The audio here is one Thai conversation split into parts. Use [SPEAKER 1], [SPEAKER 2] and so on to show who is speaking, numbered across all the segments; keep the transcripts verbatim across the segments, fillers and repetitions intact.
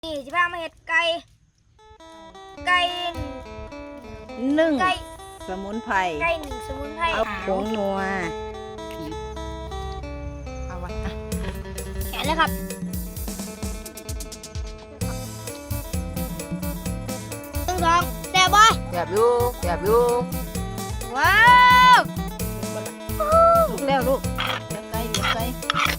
[SPEAKER 1] นี่จะพามาเห็ดไก่ไก่
[SPEAKER 2] นึ่ง
[SPEAKER 1] ไก่
[SPEAKER 2] สมุนไพร
[SPEAKER 1] ไก่หนึ่งสมุนไพร
[SPEAKER 2] เอาผงนัวเอาไว้อ่ะ
[SPEAKER 1] แกะเลยครับหนึ่งสองแซ่บบ่
[SPEAKER 2] แบบอยู่แบบอยู่
[SPEAKER 1] ว้าว
[SPEAKER 2] ลูกแล้วลูกเดี๋ยวไก่เดี๋ยวไก่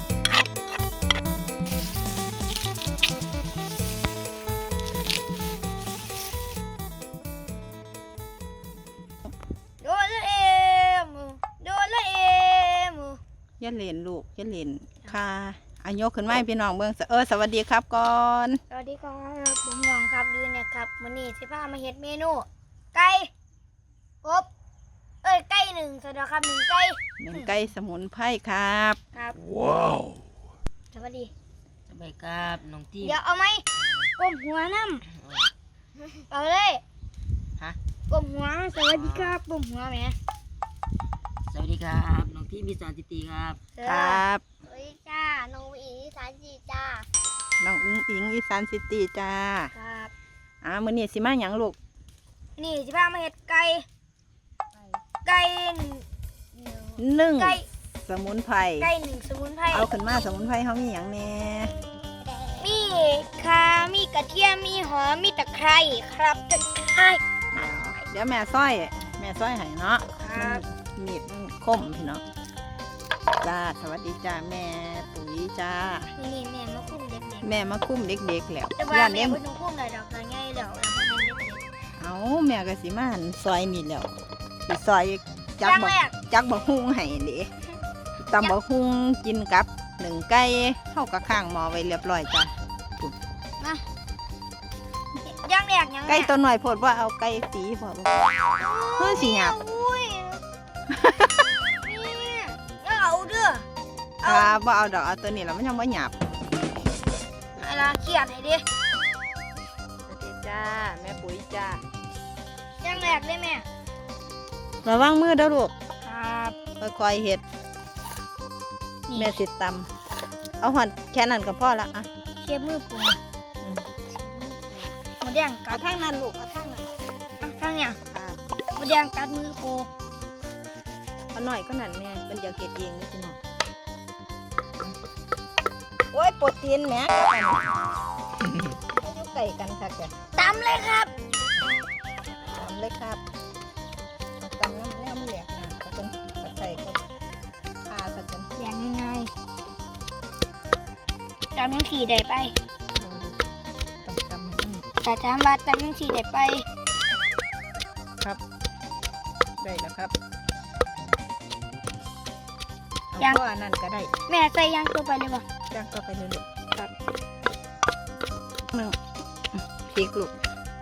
[SPEAKER 1] โดนละเอมโดนละเอม
[SPEAKER 2] อย่าเล่นลูกอย่าเล่นค่ะอายกขึ้นมาให้พี่น้องเบิ่งเออสวัสดีครับก่อน
[SPEAKER 1] สวัสดีครับผมหยองครับยืนเนี่ยครับวันนี้จะพามาเห็ดเมนูไก่กบเอ้ยไก่หนึ่งสวัสดีครับหนึ่งไก่
[SPEAKER 2] หนึ่งไก่สมุนไพรครับ
[SPEAKER 1] ครับ
[SPEAKER 3] ว้าว
[SPEAKER 1] สวัสดี
[SPEAKER 3] สบายครับน้องที
[SPEAKER 1] เดี๋ยวเอาไหมกลมหัวน้ำเอาเลย
[SPEAKER 3] ฮะ
[SPEAKER 1] กลมหัวสวัสดีครับกลมหัวแม่
[SPEAKER 3] สวัสดีครับน้องทีมีสารติตีครับ
[SPEAKER 2] ครับ
[SPEAKER 1] สวัสดีจ้าน้องอีสานจีจ้า
[SPEAKER 2] น้องอุ้งอิงอีสานซิตี้จ้า
[SPEAKER 1] ครับ
[SPEAKER 2] อ่ามื้อนี้สิมาหยังลูก
[SPEAKER 1] นี่จะพามาเห็ดไก่ไก่หนึ่ง
[SPEAKER 2] นึ่ง
[SPEAKER 1] ไก่
[SPEAKER 2] สมุนไพร
[SPEAKER 1] ไก่หนึ่งสมุนไพร
[SPEAKER 2] เอาขึ้นมาสมุนไพรเขามีหยังแน่
[SPEAKER 1] มีข่ามีกระเทียมมีหอมมีตะไคร้ครับตะไคร้
[SPEAKER 2] เดี๋ยวแม่ซ้อยแม่ซ้อยให้เนาะ
[SPEAKER 1] ครับ
[SPEAKER 2] มีดมันคมพี่น้องจ้าสวัสดีจ้าแม่ปุ๋ยจ้า
[SPEAKER 1] นี่แม่มาคุ้มเด็ก
[SPEAKER 2] แม่มาคุ้มเด็กๆแล้ว
[SPEAKER 1] ๆแต่ว่า
[SPEAKER 2] ย่าน
[SPEAKER 1] แม่
[SPEAKER 2] เลี้ยง
[SPEAKER 1] ไม่ต้องคุ้มเลยดอกง่ายๆแล้วแล้วมันเด็ก
[SPEAKER 2] เอาแม่ก็สิมาหั่นซอยนี่แล้วสิซอย
[SPEAKER 1] ๆ
[SPEAKER 2] จัก
[SPEAKER 1] อย่าง
[SPEAKER 2] บัก
[SPEAKER 1] แรก
[SPEAKER 2] จักบักฮุ้งให้เด้ตำบักฮุ้งกินกับหนึ่งไก่เข้ากับข้างหม้อไว้เรียบร้อยจ้า
[SPEAKER 1] มาอย่างแรกอย่างแรก
[SPEAKER 2] ไก่ตัวหน่อยโพดว่าเอาไก่สีพอบ่เฮ้ยสิหยาบ
[SPEAKER 1] อุ้ยนี่เอาเด้อ
[SPEAKER 2] อ่าบ่เอาดอกเอาตัวนี้แล้วมันยังบ่หยาบ
[SPEAKER 1] เวลาเครียดให้ดิ
[SPEAKER 2] สวัสดีจ้าแม่ปุ๋ยจ้า
[SPEAKER 1] อย่างแรกเลยแม่
[SPEAKER 2] ระวังมือเด้อลูก
[SPEAKER 1] ครับ
[SPEAKER 2] ค่อยๆเฮ็ด
[SPEAKER 1] นี่
[SPEAKER 2] แม่สิตำเอาหั่นแค่นั้นก็พอละอ่ะ
[SPEAKER 1] เชียบมือปู
[SPEAKER 2] อืม
[SPEAKER 1] หมดแดงกั
[SPEAKER 2] เอา
[SPEAKER 1] ด
[SPEAKER 2] ทางนั้นลูกเอาทางนั้น
[SPEAKER 1] ข้างเนี่ย
[SPEAKER 2] อ่า
[SPEAKER 1] หมดแดงกัดมือปู
[SPEAKER 2] เอาหน่อยก็นั่นแม่เป็นอยากเฮ็ดเองนี่พี่น้องโอ้ยปวดตีนแหมกันอยู่ใกล้กันค่ะแก
[SPEAKER 1] ตำเลยครับ
[SPEAKER 2] ทำเลยครับเอาตำน้ำแนวมันแหลกนะก็ต้องใส่ก็พาสักกัน
[SPEAKER 1] อย่างง่ายๆตำยังขี่ได้ไป
[SPEAKER 2] ต้องตำให้มัน
[SPEAKER 1] แต่ถามว่าตำยังขี่ได้ไป
[SPEAKER 2] ครับได้แล้วครับเอา
[SPEAKER 1] ยัง
[SPEAKER 2] ก็อันนั้นก็ได้
[SPEAKER 1] แม่ใส่ยางตัวไปเลยบ่
[SPEAKER 2] จ้างก็ไปเลยลูกครับหนึ่งพริกลูก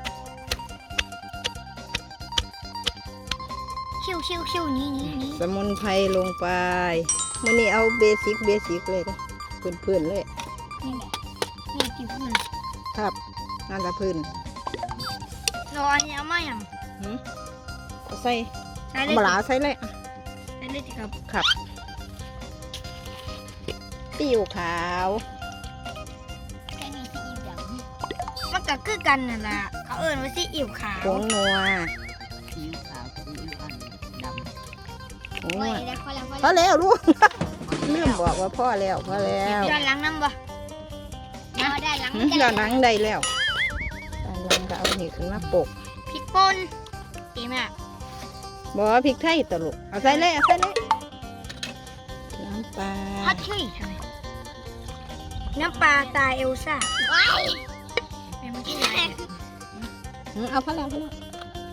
[SPEAKER 1] คิ้วคิ้วคิ้วนี่นี่นี่
[SPEAKER 2] สมุนไพรลงไปมื่อนี้เอาเบสิกเบสิกเลยนะพื้นๆเลย
[SPEAKER 1] นี่แหละนี่ที่พื้น
[SPEAKER 2] ครับนั่นละพื้น
[SPEAKER 1] เราอันนี้เอามาอย่าง
[SPEAKER 2] หืมเอาใส่
[SPEAKER 1] ใส่
[SPEAKER 2] เอา
[SPEAKER 1] เลย
[SPEAKER 2] บลาใส่เลยอ่ะ
[SPEAKER 1] ใส่เลยสิครับ
[SPEAKER 2] ครับซีอิ๊วขาว
[SPEAKER 1] แค่นี้ซีอิ๊วดำมันก็คือกันนั่นแหละเขาเอิ้นว่าซีอิ๊วขาว
[SPEAKER 2] ผงนัว
[SPEAKER 3] ซีอิ๊วขาวซีอิ๊วอันดำ
[SPEAKER 2] ผงนั
[SPEAKER 1] โอ้
[SPEAKER 2] วย
[SPEAKER 1] ได้พอแล้วพอ
[SPEAKER 2] พอ
[SPEAKER 1] แล้ว
[SPEAKER 2] แล้วลูกลืมบอกว่าพ่อแล้วพอแล้ว
[SPEAKER 1] ย้อนหลังน้ำบ่เอาได้หลัง
[SPEAKER 2] หืมย้อนหลังได้แล้วย้อนหลังก็เอาหนีขึ้นมาปก
[SPEAKER 1] พริกป่นดีมาก
[SPEAKER 2] บอกว่าพริกไทยตวลุกเอาใส่เลยเอาใส่เลยน้ำปลา
[SPEAKER 1] ฮัทเชยใช่ไหมน้ำปลาตาเอลซ่าว้ายแม่มาที่ไหน
[SPEAKER 2] หืมเอาพอแล้วพอแล้ว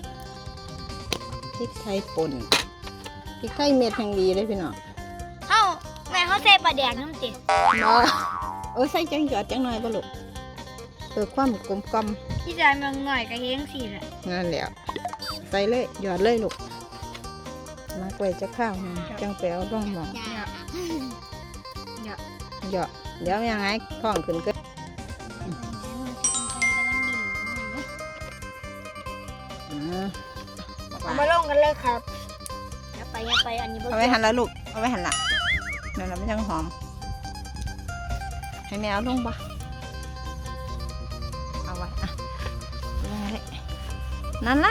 [SPEAKER 2] พริกไทยป่นพริกไทยเม็ดแห่งดีเลยพี่น้อง
[SPEAKER 1] เอ้าแม่เขาใส่ปลาแดงน้ำติ
[SPEAKER 2] บ่เออใส่จังหยอดจังหน่อยบ่ลูกเพื่อความกลมกล่อม
[SPEAKER 1] ที่จานบางหน่อยก็เฮงสิแหละ
[SPEAKER 2] นั่นแหละใส่เลยหยอดเลยลูกมักไว้จะข้าวหนึ่งจังแปวร่องหมอง
[SPEAKER 1] เยอะ
[SPEAKER 2] หยอดเดี๋ยวยังไงท้องขึ้นก็อืม
[SPEAKER 1] เอามาลงกันเลยครับอย่าไปอย่าไปอันนี้บ่
[SPEAKER 2] เอาไว้หันละลูกเอาไว้หันละนั่นแหละมันยังหอมให้แมวลงปะนั่นละ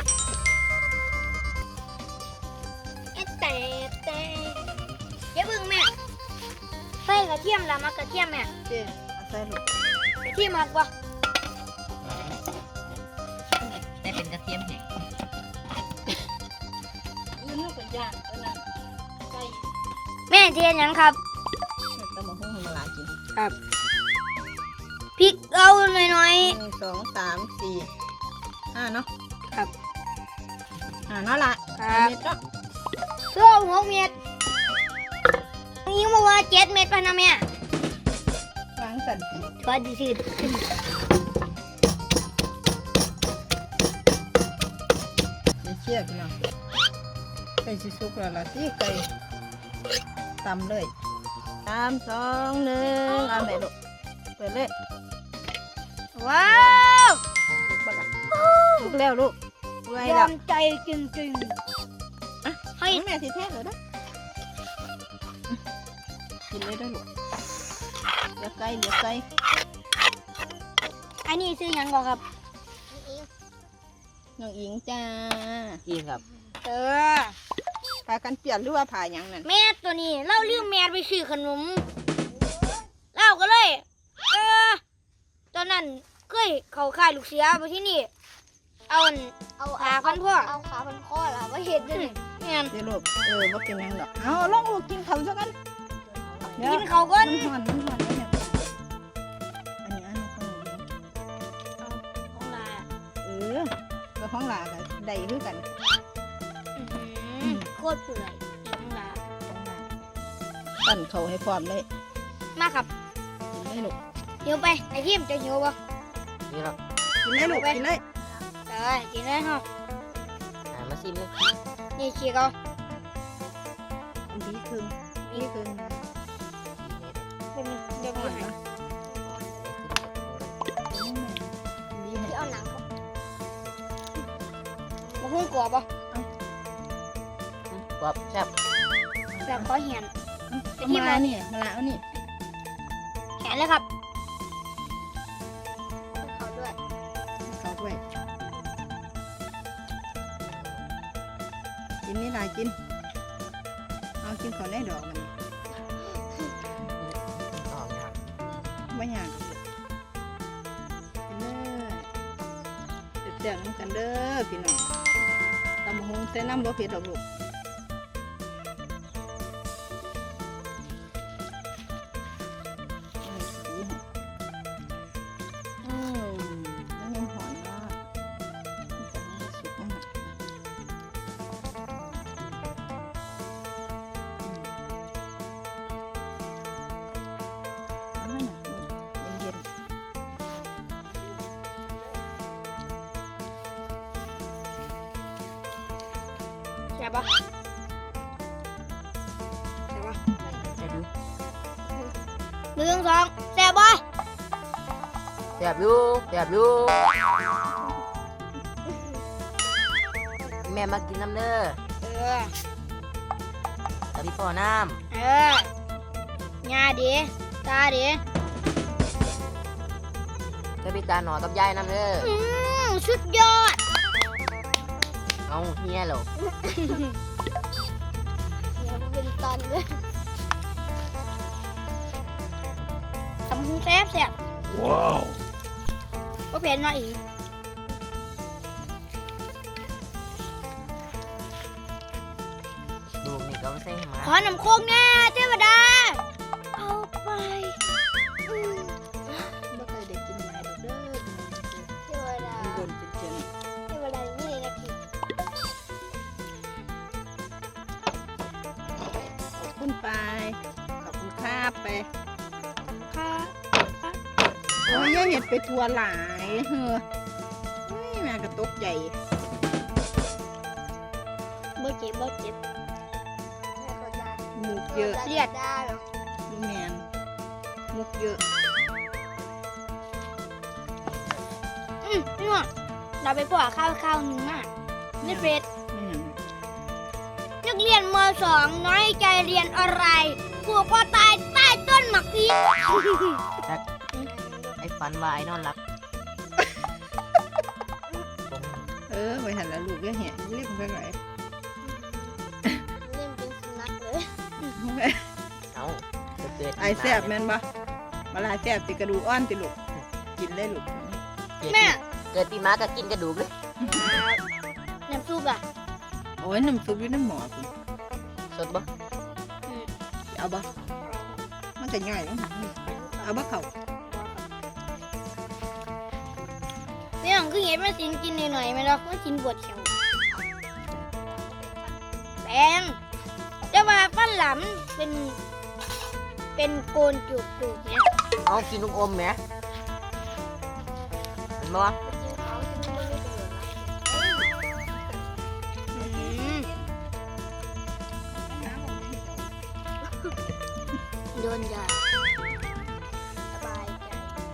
[SPEAKER 1] เอ๊ะแต่แต่อย่าเพิ่งแม่ใส่กระเทียมละมากระเทียมแม่
[SPEAKER 2] เจ๊เอาใส่ลูก
[SPEAKER 1] กระเทียมมากกว่า
[SPEAKER 3] แต่เป็นกระเทียมแห้ง
[SPEAKER 2] ยืนเป็นย่างเออนั่นใส่
[SPEAKER 1] แม่เทียนยังครับ
[SPEAKER 2] ตำมะฮุ่งมาลากิน
[SPEAKER 1] ครับพริกเอาหน่อย
[SPEAKER 2] หนึ่งสองสามสี่ห้าเนาะ
[SPEAKER 1] ๆครับ
[SPEAKER 2] อ่านั่นละ
[SPEAKER 1] ครับ
[SPEAKER 2] เม็ดเนาะ
[SPEAKER 1] เพื่อหกเม็ดยิงมาว่าเจ็ดเม็ดพะนะแม่
[SPEAKER 2] ล้างสันติ
[SPEAKER 1] พอดีสิ
[SPEAKER 2] เชี่ยพี่น้องไก่สิสุกแล้วล่ะสิไก่ตำเลยสามสองหนึ่งเอาแม่ลูกเปิดเลย
[SPEAKER 1] ว้าว
[SPEAKER 2] ลูกบ้าละลูกแล้วลูกไว้
[SPEAKER 1] ยอ
[SPEAKER 2] แล้ว
[SPEAKER 1] มใจจริง
[SPEAKER 2] อ่ะ
[SPEAKER 1] ๆให้
[SPEAKER 2] ให้แม่สิเทศเลยนะกินเลยได้อลูกเหลือไก่เหลือไก่
[SPEAKER 1] อันนี้ซื้อหยังก่อนครับ
[SPEAKER 2] น้องอิงจ้า
[SPEAKER 3] อีกครับ
[SPEAKER 1] เออ
[SPEAKER 2] พากันเปลี่ยนหรือว่าผ่าหยังนั่น
[SPEAKER 1] แม่ตัวนี้เล่าเรื่องแม่ไปซื้อขนมเล่าก็เลย เออตอนนั้นเคยเขาค่ายลูกเสือมาที่นี่ เอาอันเอาขาพันพ่อเอาขาพันพ่อล่ะว่าเห็นด้วยนี่แม่น
[SPEAKER 2] เดี๋ยวลูกเออว่าเป็นหยังดอกเอาลองลูกกินข้าวซะกันเดี๋ยว
[SPEAKER 1] กินเขาวก่อน
[SPEAKER 2] มันหอนมันหอนแล้วเนี่ยอันนี้อันนี้ของหนู
[SPEAKER 1] ของลา
[SPEAKER 2] เออก็ของหลากันได้คือกัน
[SPEAKER 1] อื้อหือโคตรเปื่อยของลา
[SPEAKER 2] ของหลาตั้นเขาให้พร้อมเลย
[SPEAKER 1] มาครับ
[SPEAKER 2] กินได้ลูก
[SPEAKER 1] หิวไปไอ้ทีมจะหิวปะ
[SPEAKER 3] นี่ครับ
[SPEAKER 2] กินได้ลูกกินเลย
[SPEAKER 1] เออกินเลยฮะ
[SPEAKER 3] อ่ามาซิมเลย
[SPEAKER 1] นี่ขี้เขา
[SPEAKER 2] ดีคืนดีคืน
[SPEAKER 1] เป็นเดี๋ยว
[SPEAKER 2] ห
[SPEAKER 1] มี
[SPEAKER 2] อน
[SPEAKER 1] ให้
[SPEAKER 2] เนาะดีให้
[SPEAKER 1] ที่เอาหนังเขามาหุ้งกรอบปะ
[SPEAKER 3] กรอบแซ่บ
[SPEAKER 1] แบบขอเหียน
[SPEAKER 2] เอามาเนี่ยมาละเอานี่
[SPEAKER 1] แขนเลยครับเขาด้วย
[SPEAKER 2] เขาด้วยกินนี่ลายกินเอากินเขาได้ดอกมัน
[SPEAKER 3] หอมนะครับ
[SPEAKER 2] ไม่อยากกินเด้อเจ็บๆน้ำกันเด้อพี่น้องตำบักหงใส่น้ำบ่เผ็ดดอกลูกเอาสีให้อืมมันยังหอนเนาะมันจะให้สุกมากอืมเอาไว้หน่อยนี่เย็นๆ
[SPEAKER 1] ใช่ปะใช่ปะ
[SPEAKER 3] จะดู
[SPEAKER 1] หนึ่งสองแซ่บปะ
[SPEAKER 3] แซ่บอยู่แซ่บอยู่แม่มากินน้ำเด้อ
[SPEAKER 1] เออ
[SPEAKER 3] แล้วพี่พ่อน้
[SPEAKER 1] เอองาดีตาดี
[SPEAKER 3] ำแล้วพี่ตาหนอกับยายน้ำเด้อ
[SPEAKER 1] อืมสุดยอด
[SPEAKER 3] เอาเฮียเหรอ
[SPEAKER 1] เดี๋ยวมันเป็นตันเลยทำหุ้งแซ่บแซ่บว้าวก็เผ็ดหน่อยอีก
[SPEAKER 3] ลูกนี่ก็ไม่ใช่หมา
[SPEAKER 1] ขอน้ำโคกแน่เทวดา เอาไปอืม
[SPEAKER 2] บ่เคยได้กินหลายดอกเด้อ
[SPEAKER 1] เทวดา
[SPEAKER 2] มันโดนเจ็บ
[SPEAKER 1] เทวดาไม่เลยนะพี่
[SPEAKER 2] ๆขอบคุณไปขอบคุณครับไป
[SPEAKER 1] ค่ะ
[SPEAKER 2] โอ้ยอย่าเห็ดไปทัวหลายเฮ้อเฮ้ยแม่ก็ตกใจ
[SPEAKER 1] บ่เจ็บบ่เจ็บ
[SPEAKER 2] หมูกเยอะ
[SPEAKER 1] เลือดได้หรอ
[SPEAKER 2] ลูกแมนหมูกเยอะ
[SPEAKER 1] อืมพี่หน่อยเราไปปล่อยข้าวข้าวหนึ่งมากในเฟซ
[SPEAKER 2] ไม่หยัง
[SPEAKER 1] นักเรียนมสองน้อยใจเรียนอะไรผูกคอตายใต้ต้นหมากพี
[SPEAKER 3] ไอ้ฝันว่าไอ้นอนหลับผม
[SPEAKER 2] เอออไปหันละลูกก็เหี้ยเรียกมันไปไหน
[SPEAKER 1] เล่นเป็นสุนัขเลย
[SPEAKER 3] เอาจะเกิด
[SPEAKER 2] ไอแซ่บแม่นบ่มาลายแซ่บติกระดูกอ่อนติลูกกินเลยลูก
[SPEAKER 1] แม่
[SPEAKER 3] เกิดปีม้าก็กินกระดูกเลย
[SPEAKER 1] น้ำซุปอ่ะ
[SPEAKER 2] โอ้ยน้ำซุปอยู่ในหม้อคุณ
[SPEAKER 3] สดบ่
[SPEAKER 2] เอาบ่มันจะง่ายเนาะเอาบ่เข้า
[SPEAKER 1] พี่น้องคือเห็นแม่สินกินหน่อยๆไหมล่ะว่ากินปวดแขวแปงแต่ว่าฟันหลำเป็นเป็นโกนจุกๆเนี่ย
[SPEAKER 3] เอากินลูกอมแหมเห็นบ่
[SPEAKER 1] อืมโดนยาสบายใจ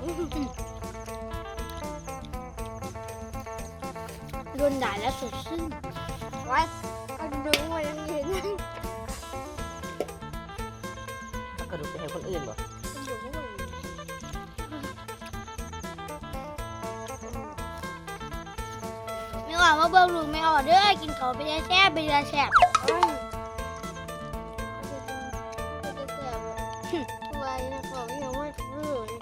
[SPEAKER 1] โดนด่าแล้วสดชื่นไว้ก็ดึงไว้ยังยืน
[SPEAKER 3] เอากระดูกไปให้คนอื่นบ่
[SPEAKER 1] ไม่ว่ามาเบิ่งลูกไม่ออกเด้อกินเขาวไปยาแซ่บไปยาแซ่บไว้นะขอไม่ยอมว่าเรื่อย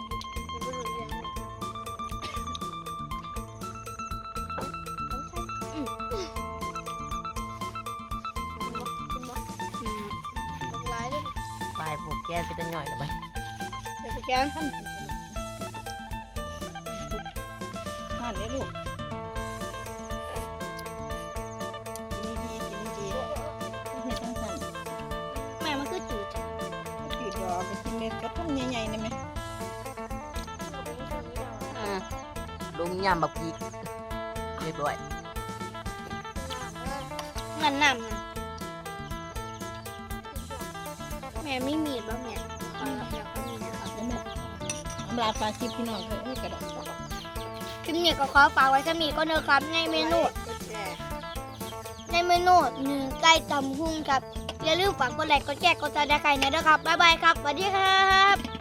[SPEAKER 1] ร้ายด้วย
[SPEAKER 3] ปลายผูกแก้ไปตั้งหน่อยละไป
[SPEAKER 1] เดี๋ยวไปแกง
[SPEAKER 2] ทานเลยลูกกินดีๆกินดีๆเฮ็ดจังซั่น
[SPEAKER 1] แม่มันคือจืด
[SPEAKER 2] จืดดอกไปกินเม็ดกระทุ่มใหญ่ๆนี่ไหม
[SPEAKER 3] อืมลงยำบักพีกเรียบร้อย
[SPEAKER 1] มันน้ำนะแม่ไม่มีดบ้างแม่ขอรับแล้วก็มีนะครับ
[SPEAKER 2] แล้วแม่อำลาปลาชิบพี่น้องเอ้ยกระดาษ
[SPEAKER 1] คลิปนี้ก็ขอฝากไว้สำหรับก็เนอะครับในเมนู ในเมนูหนึ่งไก่ตำหุ่งครับ อย่าลืมฝากกดไลค์กดแชร์กดติดตามใครนะด้วยครับ บ๊ายบายครับ สวัสดีครับ